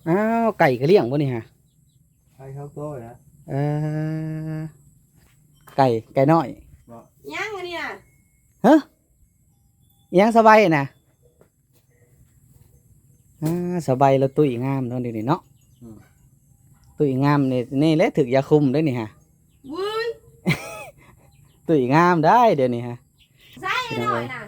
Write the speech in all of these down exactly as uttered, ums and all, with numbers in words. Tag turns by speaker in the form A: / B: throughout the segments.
A: อ้าวไก่ก็เลี้ยงบ่นี่ฮะ
B: ไก่เขาโตนะ
A: เออไก่ไก่น้อย
C: ยังอันนี้น่ะ
A: ฮะยังสบายนะอ่าสบายแล้วตุ้ยงามเนาะเดี๋ยวนี้เนาะตุ้ยงามนี่นี่แหละถึกยาคุมได้นี่ฮะ
C: วุ้ย
A: ตุ้ยงามได้เดี๋ยวนี้ฮะ
C: ใส่หน่อยน่ะ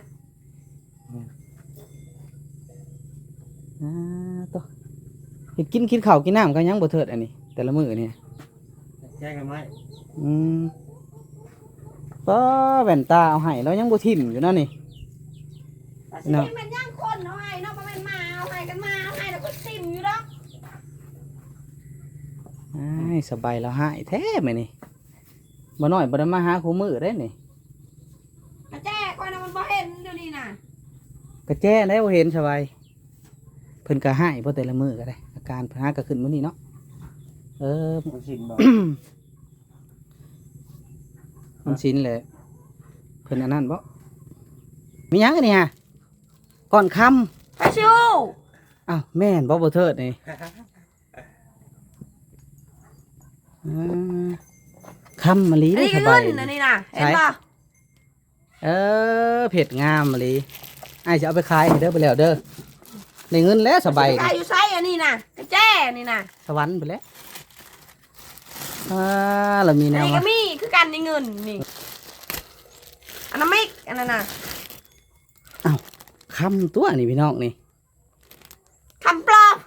A: อ่าตัวเห็ดกินกินข้าวกินน้ำก็ยังบ่เทิดอันนี้แต่ละมื้อนี่
B: แจ้งกันไหม
A: อืมป้าแว่นตาเอาให้แล้วยังบ่ทิ่มอยู่นั่นนี่
C: เนาะมันย่างคนเอาให้เนาะบ่แม่นมาเอาให้กันมาเอาให้แล้วก็ทิ่มอยู่ดอก
A: อ้ายสบายแล้วหายแท้มื้อนี้บ่น้อยบ่ได้มาหาคู่มื้อเด้นี่
C: กระแจก่อนน่ะมันบ่เห็นเดี๋ยวนี้น่ะ
A: กระแจได้บ่เห็นสบายเพิ่นก็หายบ่แต่ละมื้อก็ได้อาการเพิ่นหาก็ขึ้นมื้อนี้เนาะเออ
B: มันชินบ่
A: มันชินแหละเพิ่นอันนั้นบ่มีหยังอันนี้ฮะก่อนค่ำ
C: ไปชิว
A: อ้าวแม่นบ่บ่เทิดนี่ค่ำมะลิได้สบาย
C: อันนี้น่ะเห็นบ่
A: เออเผ็ดงามมะลิอ้ายจะเอาไปขายเด้อไปแล้วเด้อได้เงินแล้วสบาย
C: ขายอยู่ไสอันนี้น่ะกระแจนี่น่ะ
A: สวรรค์ไปแล้วอ่าเรามีแนว
C: นี่ก็มีคือกันในเงินนี่อันนั้นไม่อันนั้นน่ะ
A: อ้าวคำตัวนี่พี่น้องนี่
C: คำปลอม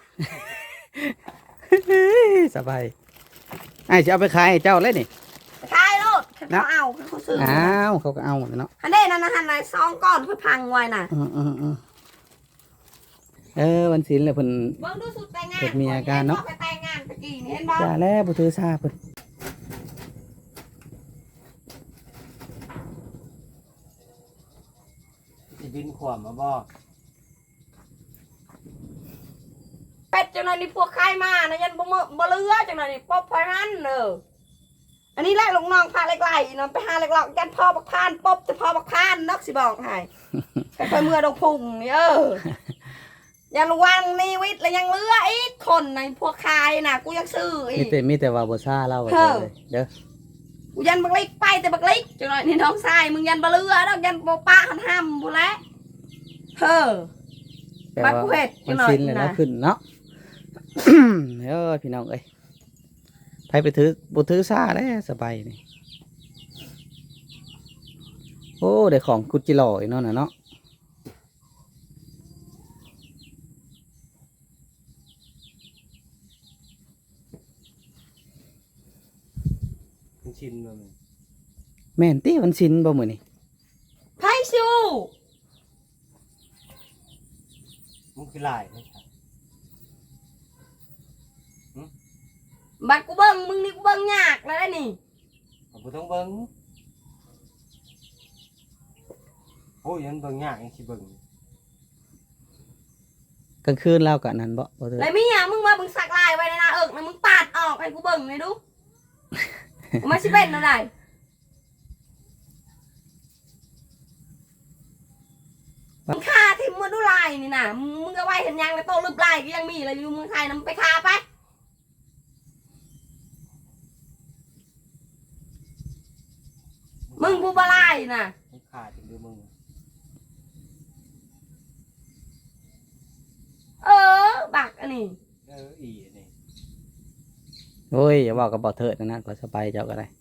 A: สบายไอ้จะเอาไปขายเจ้าเลยนี่
C: ขายโลดเขาเอาเขาซื้อ
A: อ้าวเขาก็เอาเนาะ
C: อันนี้นั่นนะฮันนายซองก้อนเพื่อพังไว้น่ะ
A: อืมอืมอืมเออวันศิลป์เลยเพิ่น
C: เบิ่งดูสุดแต่งงาน
A: เกิดมีอาการเนาะ
C: ไปแต่งงานตะกี้เห็นบ่
A: จ้าแล้วบ่ถือซาเพิ่น
B: สิบินขวามมาบ่
C: เป็ดจังหน่อยนี่พวกใครมานะยันบ่มือบ่เลือจังหน่อยนี่ป๊อบไฟมันเด้ออันนี้แหละลงน้องพาเล็กไหลนอนไปหาเล็กหลอกยันพ่อบักพานป๊อบจะพ่อบักพานนกสิบอกให้ไปเมื่อดอกพุ่งนี่เออยังระวังนี่วิทย์แล้วยังเลืออีกคนในพวกใครน่ะกูยังซื้ออี
A: กมีแต่มีแต่ว่าบ่ซาเล่าไว้เลยเด้อ
C: กูยันบักเล็กไปแต่บักเล็กจังหน่อยนี่น้องชายมึงยันบ่เลือดอกยันบ่ปะหันห้ำพู้นแหละเฮ้อบักกูเฮ็ดจังหน่อย
A: นะขึ้นเนาะเออพี่น้องเอ้ยไปไปถือบ่ถือซาแล้วสบายนี่โอ้ได้ของกุจิหล่ออีกเนาะน่ะเนาะ
B: มันชินบ่มึง
A: แม่นติมันชินบ่มื้อนี้
C: ไผชู
B: มึงคือหลาย
C: บัดกูเบิ่งมึงนี่กูเบิ่งยากแล้วนี่
B: บ่ต้องเบิ่งโอ้ยยันเบิ่งยากจังสิเบิ่ง
A: กลางคืนแล้วก็นั่นบ่บ่
C: แล้วมีหยังมึงมามึงสักลายไว้ในหน้าเอิกนะมึงปาดออกให้กูเบิ่งหน่อยดูมันสิเป็นอะไรมึงฆ่าทิ่มมือดูลายนี่น่ะมึงก็ไว้เห็นยังแล้วโตลึบลายก็ยังมีเลยอยู่มึงใครนำไปฆ่าไปมึงผู้บลายน่ะ
B: มึงขาดจริงดูมึง
C: เออบักอันนี้
B: เอออีอันนี้
A: โอ้ยอย่าบอกกับบ่เถิดนะก็สบายเจ้าก็ได้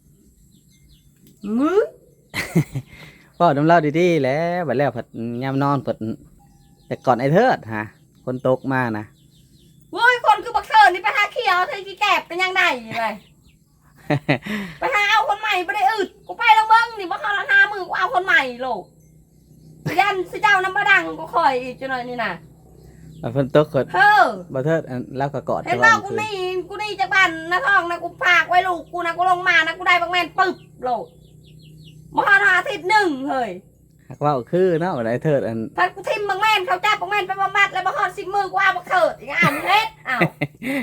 C: มึง
A: ก็น้ำเล่าดีๆแล้วบัดแล้วผัดยามนอนผัดแต่ก่อนไอ้เถิดฮะคนตกมานะ
C: เว้ยคนคือบักเถิดนี่ไปหาเขียวเธอกี่แกบเป็นยังไงเลยไปหาเอาคนใหม่ไปได้อึดกูไปแล้วเบิ้งนี่ว่าเขาละห้ามือกูเอาคนใหม่โลกยันสิเจ้าน้ำบะดังกูคอยอีกจังหน่อยนี่นะ
A: เพิ่นตกเฮ้อบ่เถิดแล้วก็กอด
C: เห็นว่ากูนี่กูนี่จากบ้านนะท้องนะกูพากไว้ลูกกูนะกูลงมานะกูได้บักแมนปึ๊บโลกมหาอาทิตย์หนึ่งเฮ้ย
A: หักว่าคือเนาะไอ้เถิดอัน
C: ถ้ากูทิมบักแมนเขาจับบักแมนไปบำบัดแล้วบักฮอดสิบมือกูเอาบักเถิดอีกอ่านเล็ดอ้าว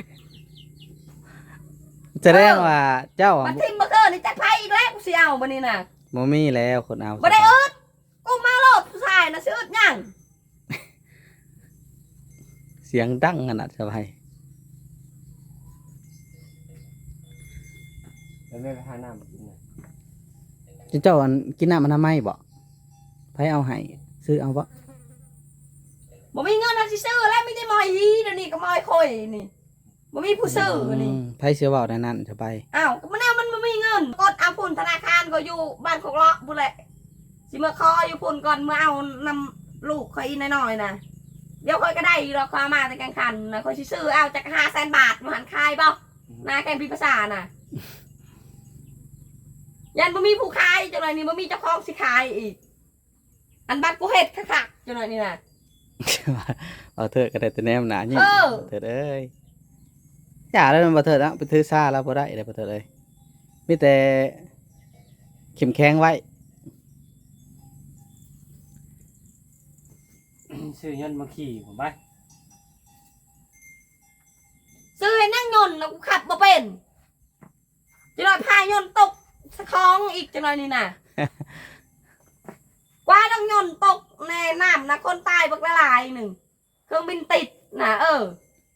A: จะได้ว่าเจ้า
C: บักทิมบักเถิดนี่จักไพ่อีกแล้วกูสิเอาบันนี้นะ
A: โมมี่แล้วคนเอา
C: บัได้อึดกูมาโลดผู้ชายนะชื่ออึดยัง
A: เสียงดังขนาดสบาย
B: แล้วแม่ไปหาน้ำมากินน่ะ
A: เจ้าอันกินน้ำมันทำไมบ่ไผเอาให้ซื้อเอาบ่
C: บ่มีเงินเอาสิซื้อแล้วมีแต่มอยอีเดี๋ยวนี้ก็มอยข่อยนี่บ่มีผู้ซื้อนี่
A: มไผเสียเว้าในนั้นจะไป
C: อ้าวก็มันแนวมันบ่มีเงินกดเอาพุ่นธนาคารก็อยู่บ้านของเลาะพุ่นแหละสิมาคออยู่พุ่นก่อนเมื่อเอานำลูกข่อยอีน้อยๆน่ะเดี๋ยวข่อยก็ได้อยู่ดอกข่อยเอามาแต่กลางคันน่ะข่อยสิซื้อเอาจากห้าแสนบาทมาหันคายบ่นาแกนพิภาษาน่ะยันบ่มีผู้ขายจังได๋นี่บ่มีเจ้าของสิขายอีกอันบัดกูเฮ็ดคักๆจังได๋นี่น่ะ
A: เอาเถอะก็ได้แต่แนมหนายิ่ง
C: เออ
A: เถิดเอ้ยอย่าแล้วมันบ่เถิดแล้วไปถือซาแล้วบ่ได้เลยบ่เถิดเอ้ยมีแต่เข้มแข็งไว้
B: ซื้อเงินมาขี่ผมไป
C: ซื้อให้นั่งยนต์แล้วกูขับบ่เป็นจังได๋พายนต์ตกสะคองอีกจังได๋นี่น่ะ กว่าต้องยนต์ตกในน้ำนะคนตายบักละลายหนึ่งเครื่องบินติดนะเออ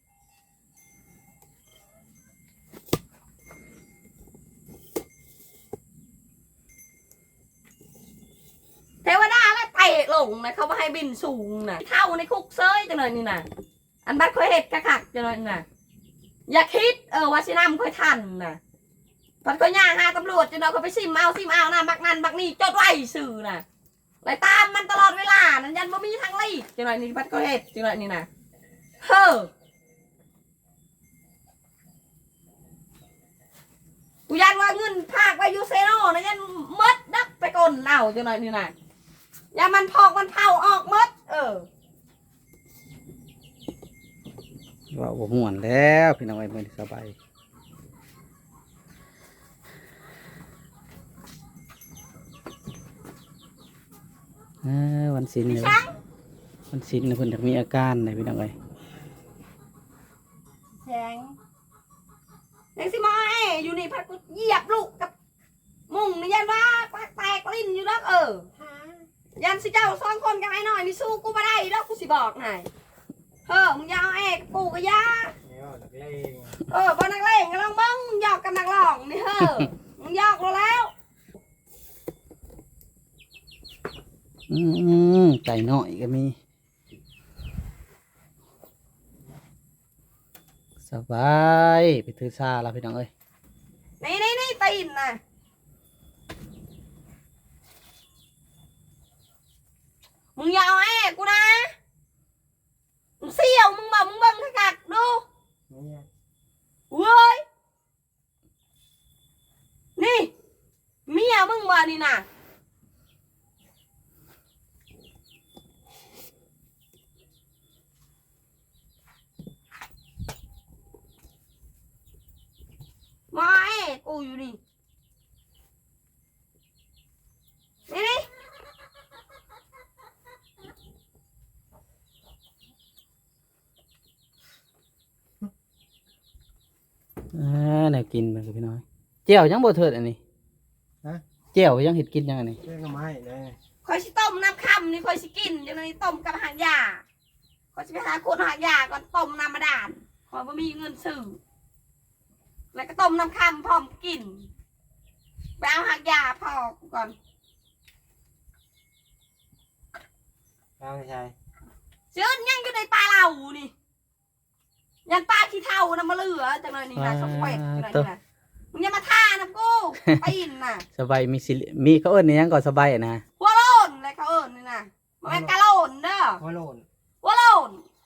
C: เทวดาแล้วเตะลงนะเขาไม่ให้บินสูงนะเท่าในคุกเซยจังเลยนี่นะอันบัดค่อยเห็ดกระขักจังเลยนะอย่าคิดเออว่าสิน้ำค่อยทันนะพัดก็ย่างหาตำรวจจังเลยเขาไปซิมเอาซิมเอานะบักนันบักนี่จดไว้สื่อนะไล่ตามมันตลอดเวลานั่นยันบ่มีทางลีกจังไรนี่พัดก็เฮ็ดจังไรนี่นะเฮ้อกูยันว่าเงินภาคไปยูเซโนนะยันมดดักไปกลเอาจังไรนี่นะอย่ามันพอกมันเผาออกมดเออ
A: ว่าบ่ม่วนแล้วพี่น้องไอ้มื้อนี้สบายเออวันศิลป์เนี่ย
C: ช่าง
A: วันศิลป์เนี่ยเพิ่นอยากมีอาการไหนพี่น้องเอ้ย
C: แสงแสงสิมาเออยู่นี่พัดกูเหยียบลูกกับมุงนี่ยันว่าปากแตกลิ้นอยู่แล้วเออยันสิเจ้าสองคนกันไอ้หน่อยนี่สู้กูไม่ได้แล้วกูสิบอกไงเฮ้อมึงอยาวเอกกูก็ยา
B: เนี่ยนักเลง
C: เออบอนักเลงก็ลองบ้างมึงหยอกกับนักหลองนี่เฮ้อมึงหยอกเราแล้ว
A: อืมไก่น้อยก็มีสบายไปถือซาแล้วพี่น้องเอ้ย
C: นี่นี่นี่ตีนนะมึงอยาวเอกกูนะมึงเสี่ยวมึงบอกมึงเบิ่งกักดู
B: เนี่ย
C: เว้ยนี่เมียมึงบ่นี่นะมาเอ้กูอยู่นี่นี่นี่
A: อ่าแนวกินมันกับพี่น้อยเจียวยังบ่เถิดอันนี้
B: ฮะ
A: เจียวยังเห็ดกินยังอันนี้
B: เรื่องก็ไม่เลย
C: คอยสิต้มน้ำค่ำนี่คอยสิกินจังนี้ต้มกับหางยาคอยสิไปหาคนหางยาก่อนต้มน้ำมาด่านคอยบ่มีเงินซื้อแล้วก็ต้มน้ำค่ำพร้อมกินไปเอาหางยาพอก่อน
B: เอาไม่ใช่
C: เชื้อยังอยู่ในปลาเรานี่ยันปลาขี้เท่านะมาเหลือจังเลยนี่นะสมเวทจังเลยนี่นะมึงอย่ามาท่านะกูปีนน่ะ
A: สบายมีสิมีเขาเอิ้นอิหยังก่อนสบายอะนะ
C: หัวโลนอะไรเขาเอิญนี่นะมันเป็นกะโลนเด้อ
B: หัวโลน
C: หัวโลน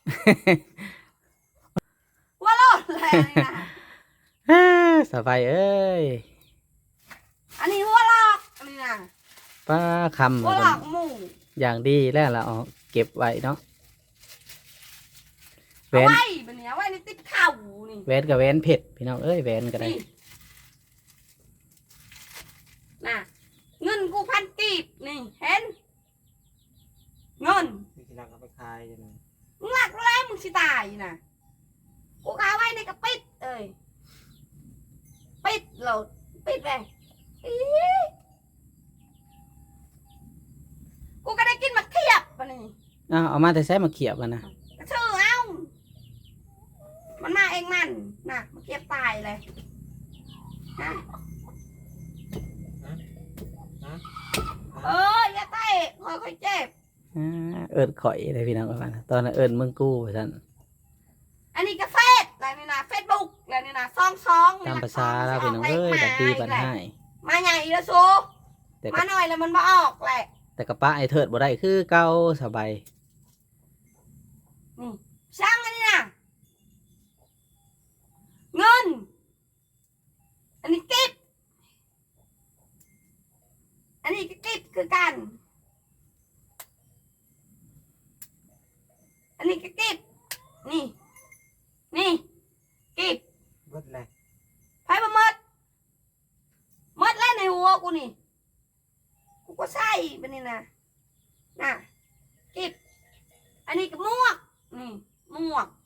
C: หัวโลนอะไรนี่นะ
A: สบายเอ้ย
C: อันนี้หัวลอกอันนี้นะ
A: ป้าคำ
C: หัวลอกหมู
A: อย่างดีแล้วเราเอาเก็บไว้เนาะแหว
C: เอา
A: น
C: ไว้แบบนี้เอาไว้ในติ๊กเข่านี่
A: แหวนกับแหวนเผ็ดพี่น้องเอ้ยแหวนก็ได้
C: นี่น่ะเงินกูพันกีบนี่เห็นเงิน
B: มีกินรักเอาไปขายจังเลย
C: มึงหลักแล้วมึงสิตายนะกูกาไว้ในกระปิดเอ้ยปิดเราปิดเลยอี๋กูก็ได้กินมะเขียบปะนี่
A: อ้าวเอามาแต่ใช้มาเขียบมันนะ
C: ก็ชื่อเอามันมาเองมันน่ะมะเขียบตายเลยฮะเอออย่าเตะคอยคอยเจ็บ
A: อ่าเอิญข่อยเลยพี่น้องประมาณนั้นตอนนั้นเอิญเมืองกู้ไปท่าน
C: อันนี้ก็เฟซแล้วนี่นะเฟซบุ๊กแล้วนี่นะซองซอง
A: ตามภาษาแล้วพี่น้องเอ้ยบัดดีบัดให้
C: มาใหญ่แล้วโซ
A: แต่
C: มา
A: ก็
C: หน่อยแล้วมันมาออกแหละ
A: แต่กระป้าไอเทิดบ่ได้คือเก่าสบาย
C: นี่ช่างอันนี้นะเงิน อันนี้กิฟอันนี้ก็กิฟคือกัน อันนี้ก็กิฟนี่ นี่กิฟ
B: เบิดเลย
C: ไพ่มาหมดหมดแล้วในหัวกูนี่ กูก็ใส่ไปนี่นะน่ะกิฟอันนี้ก็หมวก นี่หมวก